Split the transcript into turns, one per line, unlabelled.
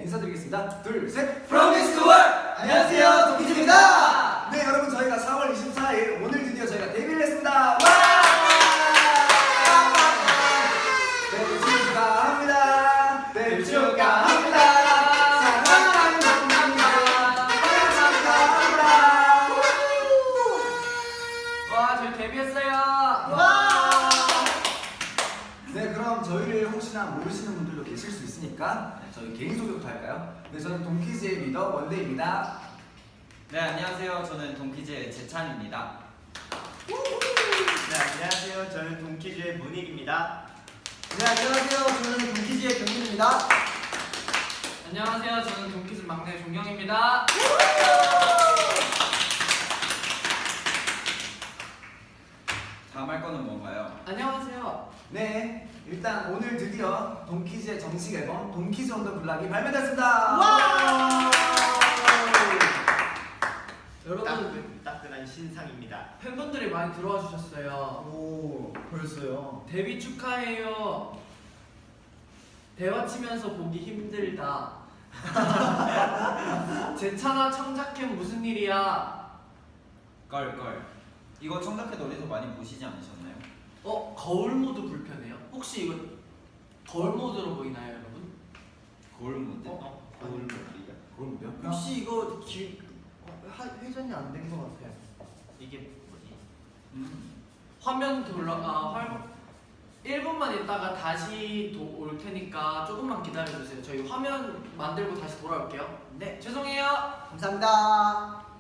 인사드리겠습니다. 둘, 셋!
Promise to Work! 안녕하세요, 동키즈입니다.
네, 여러분 저희가 4월 24일 오늘 드디어 저희가 데뷔를 했습니다. 와! 데뷔 축하합니다. 데뷔 축하합니다. 사랑하는 동키즈입니다. 축하합니다.
와, 저희 데뷔했어요.
와! 네, 그럼 저희를 혹시나 모르시는 분들도 계실 수 있으니까 저희 개인 소개부터 할까요? 네, 저는 동키즈의 리더 원데이입니다.
네, 안녕하세요. 저는 동키즈의 재찬입니다.
네, 안녕하세요. 저는 동키즈의 문익입니다.
네, 안녕하세요. 저는 동키즈의 경민입니다.
안녕하세요, 저는 동키즈 막내 종경입니다.
다음 할 거는 뭔가요?
안녕하세요.
네, 일단 오늘 드디어 동키즈의 정식 앨범 동키즈 온 더 블락이 발매됐습니다.
와! 여러분,
따끈한 신상입니다.
팬분들이 많이 들어와 주셨어요.
오, 벌써요.
데뷔 축하해요. 대화 치면서 보기 힘들다. 재찬아 청자캠 무슨 일이야?
껄껄. 이거 청자켓 어디서 많이 보시지 않으셨나요?
거울 모드 불편해요? 혹시 이거 거울 모드로 보이나요, 여러분?
거울 모드?
거울 모드요?
그걸 뭐야?
혹시 이거 회전이 안 된 것 같아요.
이게 뭐지?
화면 1분만 있다가 다시 올 테니까 조금만 기다려주세요. 저희 화면 만들고 다시 돌아올게요. 네, 죄송해요.
감사합니다.